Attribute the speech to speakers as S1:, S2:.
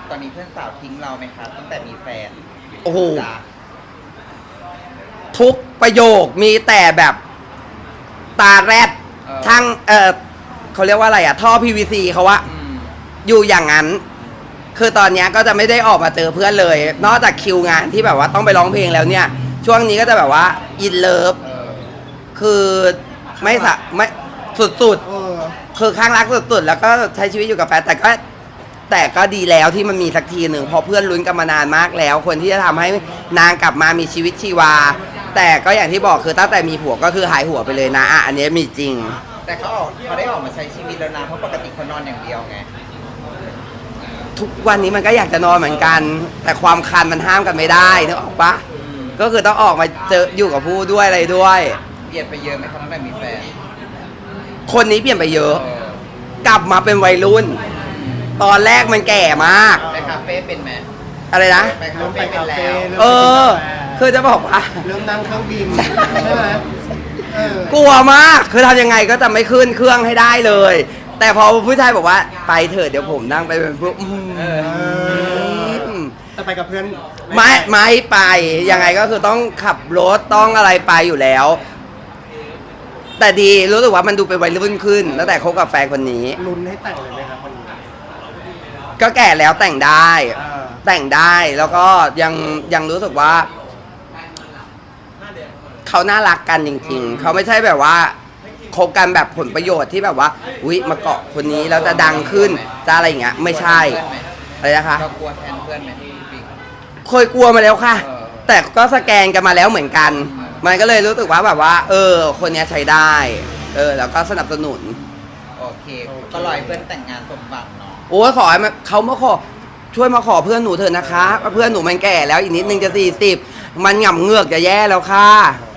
S1: ตอนนี้เพื่อนสาวทิ้งเราไหมคะตั้งแต่มีแฟน
S2: โอ้โห
S1: จ้ะ
S2: ทุกประโยคมีแต่แบบตาแรดช่างเขาเรียกว่าอะไรอะท่อ PVC เขาว่า
S1: อืม
S2: อยู่อย่างนั้น คือตอนเนี้ยก็จะไม่ได้ออกมาเจอเพื่อนเลย นอกจากคิวงานที่แบบว่าต้องไปร้องเพลงแล้วเนี่ย ช่วงนี้ก็จะแบบว่าอินเลิฟ
S1: เออ
S2: คือไม่สุด
S3: เออ
S2: ๆ คือข้างรักสุดๆ แล้วก็ใช้ชีวิตอยู่กับแฟนแต่ก็ดีแล้วที่มันมีสักทีหนึ่งเพราะเพื่อนลุ้นกันมานานมากแล้ว คนที่จะทำให้นางกลับมามีชีวิตชีวา แต่ก็อย่างที่บอกคือตั้งแต่มีผัวก็คือหายหัวไปเลยนะอันนี้มีจริง
S1: แต่เขาได้ออกมาใช้ชีวิตแล้วนะเพราะปกติเขานอนอย่างเดียวไง
S2: ทุกวันนี้มันก็อยากจะนอนเหมือนกัน แต่ความคันมันห้ามกันไม่ได้นึกออกปะ
S1: อืม
S2: ก็คือต้องออกมาเจออยู่กับผู้ด้วยอะไรด้วย
S1: เปลี่ยนไปเยอะไหมคะตั้งแต่มีแฟน
S2: คนนี้เปลี่ยนไปเยอะ
S1: เออก
S2: ลับมาเป็นวัยรุ่น ตอนแรกมันแก่มาก
S1: ไปคาเฟ่เป็นไหม
S2: อะไรนะ
S1: ไปคา
S3: เริ่มไป
S1: เฟ่เป็น
S3: คา
S1: แล้
S3: เฟ่
S1: ว
S3: เริ่ม
S2: เอ
S3: ไปกินกาแฟ
S2: คือจะบอกว่า
S3: เริ่มนั่งเครื่องบินใช่ไหมเออก
S2: ลัวมาก คือทำยังไงก็จะไม่ขึ้นเครื่องให้ได้เลย แต่พอผู้ชายบอกว่าไปเถอะเดี๋ยวผมนั่งไปเป็นผู้
S1: เออ
S3: แต่ไปกับเพื่อน
S2: ไม่ไป ยังไงก็คือต้องขับรถต้องอะไรไปอยู่แล้ว แต่ดีรู้สึกว่ามันดูเป็นวัยรุ่นขึ้นตั้งแต่คบกับแฟนคนนี้
S3: ลุ้นให้แต่งเลยไหมครับคนนี้
S2: ก็แก่แล้วแต่งได้
S3: อ่า
S2: แต่งได้แล้วก็ยังรู้สึกว่า เขาน่ารักกันจริงๆ เขาไม่ใช่แบบว่าคบกันแบบผลประโยชน์ที่แบบว่าอุ๊ยมาเกาะคนนี้แล้วจะดังขึ้นจะอะไรอย่างเงี้ย ไม่ใช่อะไรนะคะ
S1: เรากลัวแทนเพื่อนไหมพี่ปิ๊ก
S2: เคยกลัวมาแล้วค่ะ
S1: เออ
S2: แต่ก็สแกนกันมาแล้วเหมือนกัน มันก็เลยรู้สึกว่าแบบว่า คนเนี้ยใช้ได้ แล้วก็สนับสนุน
S1: โอเคก็รอให้เพื่อนแต่งงานสมหวังเนาะ
S2: โอ้ยขอให้เขามาขอช่วยมาขอเพื่อนหนูเถอะนะคะเพื่อนหนูมันแก่แล้วอีกนิดนึงจะ40มันหง่ำเงือกจะแย่แล้วค่ะ
S3: เออ